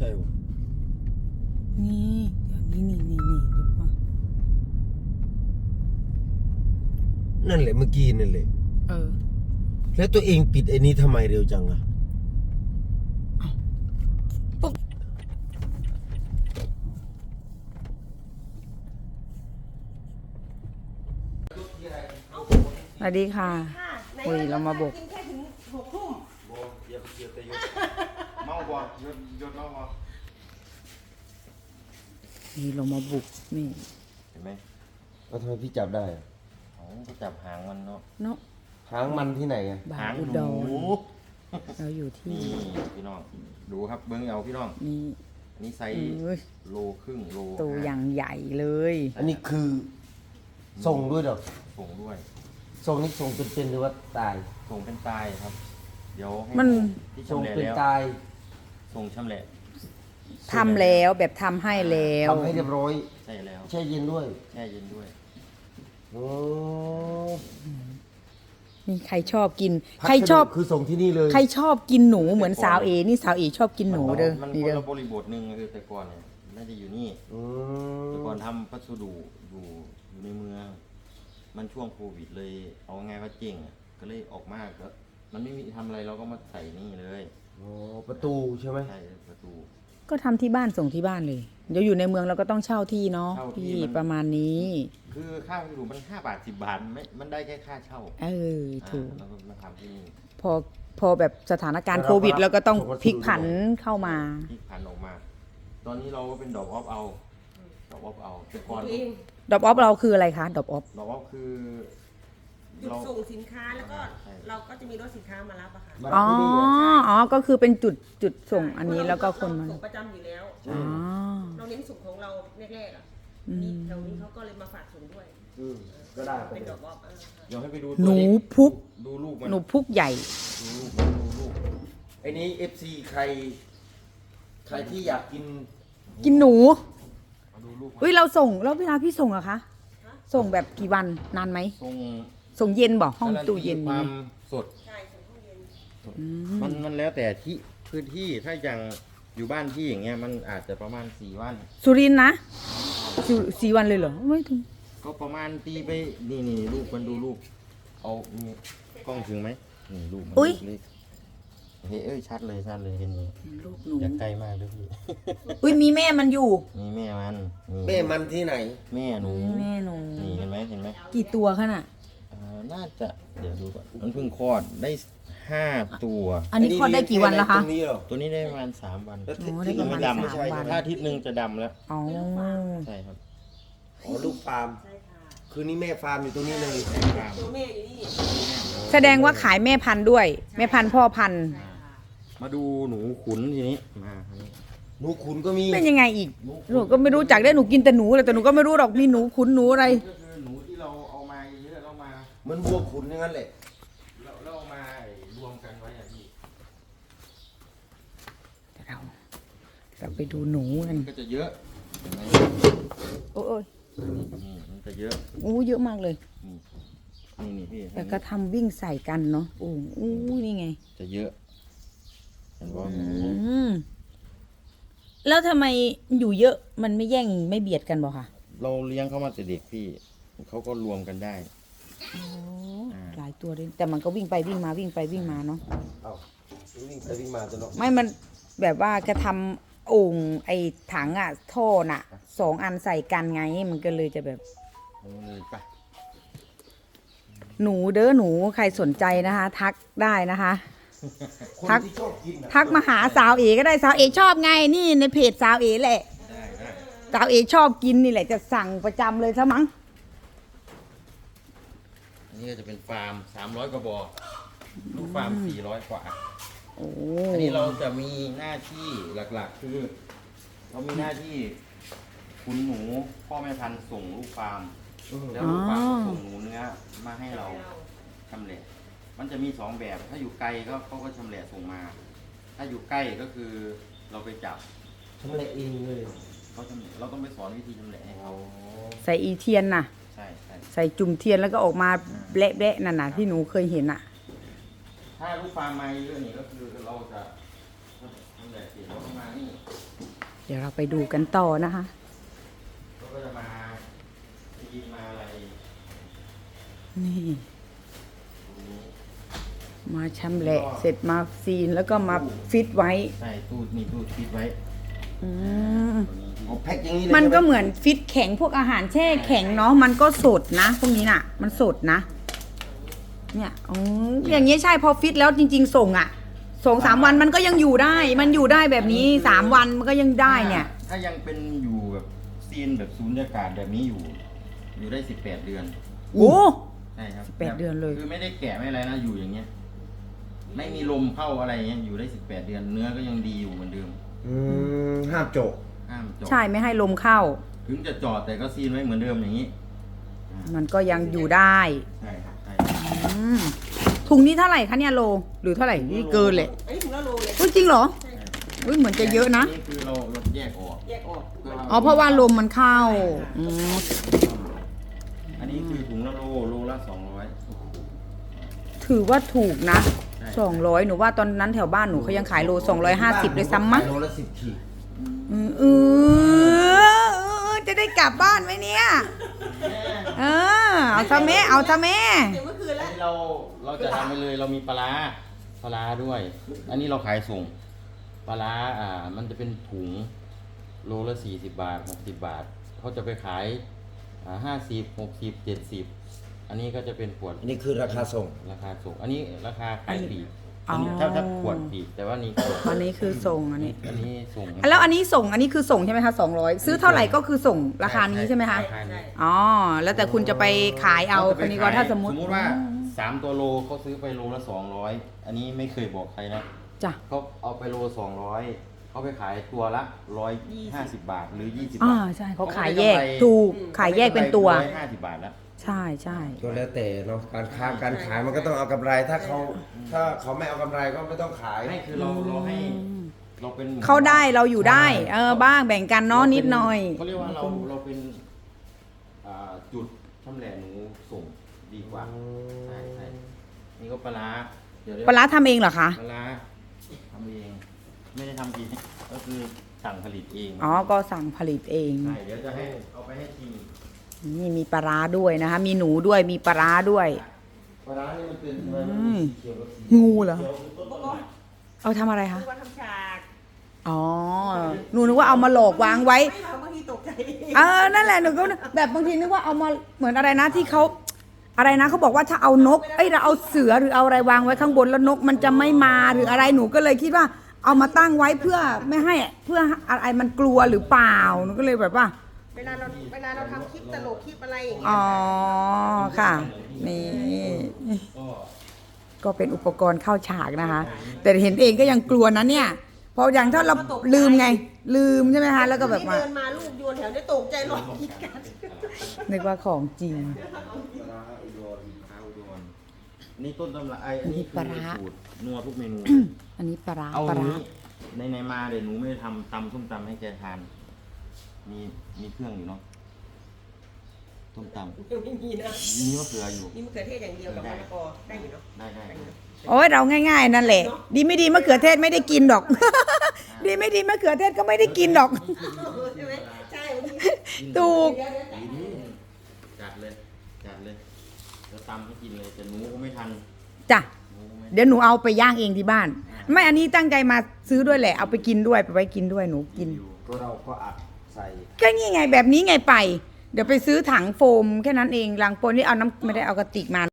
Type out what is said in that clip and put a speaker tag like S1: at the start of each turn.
S1: ช่ป่ะ
S2: นี่เดี๋ยวนี่เดี๋ยวก่อน
S1: นั่นแหละเมื่อกี้นั่นแหละแล้วตัวเองปิดไอ้นี้ทำไมเร็วจังอะ
S2: สวัสดีค่ะคุยเรามาบุก
S3: กินแค่ถึง6 ทุ่ม
S1: เมาบ่ยศเมาบ่
S2: นี่เรามาบุกนี่
S1: เห็นไหมแล้วทำไมพี่จับได้อะ
S4: ก็จับหางมันเนาะ
S2: เนาะ
S1: หางมันที่ไหนอะ
S2: บา
S4: หาง
S2: อุ
S4: ห
S2: ด
S4: นู
S2: รเราอยู่ที่
S4: นี่พี่น้องดูครับเบิ้งเอาพี่น้อง
S2: นี่
S4: อันนี้ไซส์โลครึ่งโล
S2: ตัวอย่างใหญ่เลย
S1: อันนี้คือส่งด้วยเหรอ
S4: ส่งด้วย
S1: ส่งนี่ส่งเป็นหรือว่าตาย
S4: ส่งเป็นตายครับ เดี๋ยวให้
S2: มัน
S4: ที่
S1: ส่ง
S4: ชำแหละ
S1: เป็น
S4: แล้ว
S1: ตาย
S4: ส่งชำแหละ
S2: ทำแล้วแบบทำให้แล้ว
S1: ทำให้เรียบร้อย
S4: ใช่แล้ว
S1: แช่เย็นด้วย
S4: แช่เย็นด้วย
S1: โอ้
S2: นี่ใครชอบกิน
S1: พัสดุ
S2: ใครชอบ
S1: คือส่งที่นี่เลย
S2: ใครชอบกินหนูเหมือนสาวเอนี่สาวเอชอบกินหนูเด้อ
S4: มัน
S2: นี่
S4: คน
S2: เด้อ
S4: ละบริบทหนึ่งคือแต่ก่อนเนี่ยไม่ได้อยู่นี่
S1: อื
S4: แต่ก่อน
S1: ม
S4: ทำพัสดุอยู่ในเมือง มันช่วงโควิดเลย เอาไงว่าเจ๊งอะก็เลยออกมาก็มันไม่มีทำอะไรเราก็มาใส่นี่เลย
S1: โอ้ประตูใช่ไหม
S4: ใช่ประตู
S2: ก็ทำที่บ้านส่งที่บ้านเลยเดี๋ยวอยู่ในเมืองเราก็ต้องเช่าที่เนาะ
S4: เช่าที่
S2: พี่
S4: มัน
S2: ประมาณนี้
S4: คือค่าวัสดุมัน5 บาท 10 บาทมันได้แค่ค่าเช่า
S2: ถูก
S4: แล้วก็มาทำที่นี่
S2: พอแบบสถานการณ์โควิดเราก็ต้องพลิกผันเข้ามา
S4: ที่พันออกมา ตอนนี้เราก็เป็นดอกออฟเอาดอกออฟเอาแต่ก่อน
S3: ตัวเอง
S2: ดรอปออฟเราคืออะไรคะดรอปออฟ
S4: ดอกออฟคือ
S3: จุด
S4: เรา
S3: ส่งสินค้าแล้วก็
S4: ใช่
S3: เราก็จะมีรถสินค้ามารับอะค่ะ
S1: มารับที่นี่อะ
S2: อ๋อก็คือเป็นจุดส่งอันนี้แล้วก็คนมา
S3: ส่งประจำอยู่แล้ว
S2: อ๋อ
S3: เราเน้นส่งของเราแรกๆอะ
S2: อืม
S3: นี่แถวนี้เขาก็เลยมาฝากส่งด้วย
S1: ก็ได้
S3: เป็นดอกบอบ
S4: เดี๋ยวให้ไปดู
S2: หนู
S4: ตัว
S2: พุก
S4: ดูลูกมัน
S2: หนูพุกใหญ่
S4: ดูลูกมันดูลูก
S1: ไอ้นี้ FC ใครที่อยากกิน
S2: กินหนู
S4: มาดูลูกมัน
S2: เฮ้ยเราส่งแล้วเวลาพี่ส่งอะคะส่งแบบกี่วันนานไหม
S4: ทรง
S2: ส่งเย็นบอกห้องตู้เย็น
S4: ค
S2: นี่
S4: วามสด
S3: ใช่ส่งห้องเย็น
S4: มันแล้วแต่ที่พื้นที่ถ้าอย่างอยู่บ้านที่อย่างเงี้ยมันอาจจะประมาณ4 วัน
S2: สุรินทร์นะสี่วันเลยเหรอไม่ถึง
S4: ก็ประมาณตีไปนี่ลูกมันดูลูกเอานี่กล้องถึงไหมนี่ลูกมันลูกเล็กเฮ้ยชัดเลยเห็นไหม
S2: ลูกหนู
S4: อย่าใกล้มากเลยพี่
S2: อุ้ยมีแม่มันอยู่
S4: นี่แม่มันนี่
S1: แม่มันที่ไหน
S4: แม่หนู
S2: แม่หนู
S4: นี่เห็นไหม
S2: กี่ตัวขนาด
S4: น่าจะเดี๋ยวดูก่อนมันเพิ่งคลอดได้5 ตัว
S2: อันนี้คลอดได้กี่วันแล้วคะ
S1: ตรงนี้เหรอ
S4: ตัวนี้ได้ประมาณ3 วัน
S1: แล้ว
S2: อ๋อได้
S1: ที่
S2: ประ
S1: ยั
S2: มาณ
S1: ไม่
S2: 3
S1: ดำ
S2: วัน
S4: ถ้าอาทิตย์หนึงจะดำแล้ว
S2: อ๋อ
S4: ใช่ครับ
S1: อ๋อลูกฟาร์ม
S3: ใช่ค่ะ
S1: คือนี่แม่ฟาร์มอยู่ตรงนี้เลย
S3: ตัวแม่อยู่นี่
S2: แสดงว่าขายแม่พันธุ์ด้วย แม่พันธุ์พ่อพันธุ์
S3: ใช่ค่ะ
S4: มาดูหนูขุนทีนี้มาทีนี้
S1: หนูขุนก็มี
S2: เป็นยังไงอีกหนูก็ไม่รู้จักได้หนูกินแต่หนูแต่หนูก็ไม่รู้หรอกมีหนูขุนหนูอะไร
S4: ก็คือหนูที่เราเอามาเยอะเรามา
S1: เหมันวัวขุนอย่างนั้นแหละ
S4: เราเอามารวมกันไว้อะพี่
S2: เราไปดูหนูกัน
S4: ก็จะเยอะเห็นไหม
S2: โอ้ย
S4: นี่มันจะเยอะ
S2: อู้เยอะมากเลย
S4: นี่พี่
S2: แต่ก็ทำวิ่งใส่กันเนาะโอ้อู้นี่ไง
S4: จะเยอะเห็นว่า
S2: แล้วทำไมอยู่เยอะมันไม่แย่งไม่เบียดกันบ่คะ
S4: เราเลี้ยงเขามาแต่เด็กพี่เขาก็รวมกันได้
S2: โอ้หลายตัวเลยแต่มันก็วิ่งไปวิ่งมาวิ่งไปวิ่งมาเนาะ
S1: เอ้าวิ่งไปวิ่งมาจะเนาะ
S2: ไม่มันแบบว่ากระทำโอ่งไอ้ถังอ่ะท่อน่ะ2 อันใส่กันไงมันก็เลยจะแบบ
S4: เลยไป
S2: หนูเด้อหนูใครสนใจนะคะ ทักได้นะคะ
S1: คน
S2: ทัก
S1: ที่ชอบกินน่ะ
S2: ทักมาหาสาวเอก็ได้สาวเอชอบไงนี่ในเพจสาวเอแหละ
S4: ได้
S2: สาวเอชอบกินนี่แหละจะสั่งประจำเลยซะมั้ง
S4: อันนี้ก็จะเป็นฟาร์ม300 กว่าบ่อลูกฟาร์ม400 กว่า
S2: โอ้
S4: อันนี้เราจะมีหน้าที่หลักๆ คือ เรามีหน้าที่คุณหนูพ่อแม่พันธุ์ส่งลูกฟาร์มแล้วลูกฟาร์มก็ส่งหนูเนื้อมาให้เราชำแหละมันจะมี2 แบบถ้าอยู่ไกลก็เขาก็ชำแหละส่งมา ถ้าอยู่ใกล้ก็คือเราไปจับ
S1: ทำอะไรเองเลย
S4: เขาชำแหละเราต้องไปสอนวิธีชำแหละให้เขา
S2: ใส่อีเทียนน่ะ
S4: ใช่ใช่
S2: ใส่จุ่มเทียนแล้วก็ออกมาแบะๆนั่นน่ะที่หนูเคยเห็นน่ะ
S4: ถ้าลูกฟาร์มมาเยอะนี่ก็คือเราจะชำแหละเสร็จเราก็มานี่
S2: เดี๋ยวเราไปดูกันต่อนะคะ
S4: เขาก็จะมาทีมาอะไร
S2: นี่ มาชำแหละเสร็จมาซีนแล้วก็มาฟิตไว้
S4: ใช่ตู้มีตู้ฟิตไว้
S2: อืม
S4: ตัวนี้
S1: เอาแพ็คอย่างนี้เลย
S2: มันก็
S1: ใช่ไห
S2: เหมือนฟิตแข็งพวกอาหารแช่แข็งเนาะมันก็สดนะ พวกนี้น่ะ มันสดนะ เนี่ยอ๋ออย่างนี้ใช่พอฟิตแล้วจริง ๆ ส่งอ่ะ2-3 วันมันก็ยังอยู่ได้ มันอยู่ได้แบบนี้3 วันมันก็ยังได้เนี่ย
S4: ถ้ายังเป็นอยู่แบบซีนแบบสูญญากาศแบบนี้อยู่ได้18 เดือน
S2: โอ้
S4: ใช่ครับ
S2: 18 เดือนเลย
S4: คือไม่ได้แกะไม่อะไรนะอยู่อย่างเงี้ย ไม่มีลมเข้าอะไรเงี้ยอยู่ได้18 เดือน เนื้อก็ยังดีอยู่เหมือนเดิม
S1: ห้ามโจก
S4: ห้ามเจาะ
S2: ใช่ไม่ให้ลมเข้า
S4: ถึงจะเจาะแต่ก็ซีนไว้เหมือนเดิมอย่างนี้
S2: มันก็ยังอยู่ได้
S4: ใช่ครับใช่
S2: อืมถุงนี้เท่าไหร่คะเนี่ยโลหรือเท่าไหร่นี่เกินเลย
S3: อันนี้ถุงละโลเลย
S2: อุ๊ยจริงเหรอ
S3: ใช่ค่ะ
S2: อุ้ยเหมือนจะเยอะนะ
S4: นี่คือเราแยกออก
S3: แยกออก
S2: อ๋อเพราะว่าลมมันเข้าอืม
S4: อันนี้คือถุงละโลละ200
S2: ถือว่าถูกนะ
S4: ใช่
S2: 200หนูว่าตอนนั้นแถวบ้านหนูเขายังขายโล250เลยซ้ำมั้ง
S1: โลละ10 ขีด
S2: จะได้กลับบ้านไหมเนี่ยเอาซะแม่เอาซะแม่
S3: เดี๋ยวเมื่อคืน
S4: อั
S3: แล้ว
S4: นนี้เราจะทำไปเลยเรามีปลาร้าด้วย อันนี้เราขายส่งปลาร้ามันจะเป็นถุงโลละ40 บาท60 บาทเขาจะไปขาย50 60 70อันนี้ก็จะเป็นขวด
S1: อันนี้คือราคาส่ง
S4: ราคาส่งอันนี้ราคาขายปลีก
S2: อ๋ออั
S4: นนี้ถ้าขวดปลีกแต่ว่านี่ขวด
S2: อันนี้คือส่งอันนี้
S4: อันนี้ส่ง
S2: แล้วอันนี้ส่งอันนี้คือส่งใช่ไหมคะ200ซื้อเท่าไหร่ก็คือส่งราคานี้ใช่ไหมคะ
S4: ราานี้
S2: อ๋อแล้วแต่คุณจะไปขายเอาคนนี้ก็ถ้าสมมติ
S4: ว่า3 ตัวโลเขาซื้อไปโลละ200อันนี้ไม่เคยบอกใครนะ
S2: จ้ะ
S4: เขาเอาไปโล200เขาไปขายตัวละ150 บาทหรือ20
S2: อ่า
S4: บาท
S2: ใช่เขาขายแยกถูกขายแยกเป็นตัว
S4: 150 บาทแล้ว
S2: ใช่ใช่
S1: ก็แล้วแต่เนาะการค้าการขายมันก็ต้องเอากำไรถ้าเขาไม่เอากำไรก็ไม่ต้องขาย
S4: ไม่คือเราให้เราเป็น
S2: เขาได้เราอยู่ได้ บ้างแบ่งกันเนาะนิดหน่อย
S4: เขาเรียกว่าเราเป็นจุดชำแหละหนูส่งดีกว่าใช่ใช่นี่ก็ปลาร้าเดี๋ยว
S2: ปลาร้าทำเองเหรอคะ
S4: ปลาร้าทำเองไม่ได้ทำกินก็คือสั่งผลิตเอง
S2: อ๋อก็สั่งผลิตเอง
S4: ใช่เดี๋ยวจะให้เอาไปให้ชิม
S2: นี่มีปลาร้าด้วยนะคะ มีหนูด้วยมีปลาร้าด้วย
S1: ปลาร้านี่มันเป็น
S2: เงูเหรอเอาทำอะไรคะ
S3: คือว่าทำฉาก
S2: อ๋อหนูนึกว่าเอามาหลอกวางไว้
S3: ไม่มาบางทีตกใจ
S2: นั่นแหละหนูก็แบบบางทีนึกว่าเอามาเหมือนอะไรนะที่เขาอะไรนะเขาบอกว่าถ้าเอานกเราเอาเสือหรือเอาอะไรวางไว้ข้างบนแล้วนกมันจะไม่มาหรืออะไรหนูก็เลยคิดว่า เอามาตั้งไว้เพื่อไม่ให้เพื่ออะไรมันกลัวหรือเปล่าหนูก็เลยแบบว่า
S3: เวลาเราทำคลิปตลกคลิปอะไรอย่างเงี้ย
S2: อ๋อค่ะ นี่ ก็เป็นอุปกรณ์เข้าฉากนะคะ แต่เห็นเองก็ยังกลัวนะเนี่ยเพราะอย่างถ้าเราลืมไง ลืมใช่ไหมคะแล้วก็แบบว่า
S3: เดินมาลูกโยนแถวนี้ตกใจร้องกรีดกัน
S2: นึกว่าของจริง
S4: ปลาร้าอุดรข้าวอุดรนี่ต้นตำรับอันนี้
S2: ปลาร้า
S4: สูตรนัวทุกเมนู
S2: อันนี้ปลาร้า
S4: เอา
S2: ปลาร้า
S4: นี้ในมาเดี๋ยวหนูไม่ได้ทำตำส้มตำให้แกทาน มีเครื่องอยู่เนาะส้มตำ
S3: ยังไม่มีนะ
S4: มีมะเขืออยู่
S3: นี่มะเขือเทศอย่างเดียวกับมะละกอได้อยู่เนาะ
S4: ได้
S2: โอ้ยเราง่ายๆนั่นแหละ ดีไม่ดีมะเขือเทศไม่ได้กินดอก ดีไม่ดีมะเขือเทศก็ไม่ได้กินดอก
S3: ใช่ไหมใช่บางที
S2: ถูก
S4: จัดเลยแล้วตำให้กินเลยแต่หนูก็ไม่ทัน
S2: จ้ะ
S4: หนูก็ไม่
S2: เดี๋ยวหนูเอาไปย่างเองที่บ้าน ไม่อันนี้ตั้งใจมาซื้อด้วยแหละเอาไปกินด้วยไปไว้กินด้วยหนูกิน
S4: อยู่
S1: ก็เราก็อัดใส่
S2: ก็นี่ไงแบบนี้ไงไป เดี๋ยวไปซื้อถังโฟมแค่นั้นเองลังโฟมนี่เอาน้ำไม่ได้เอากระติกมา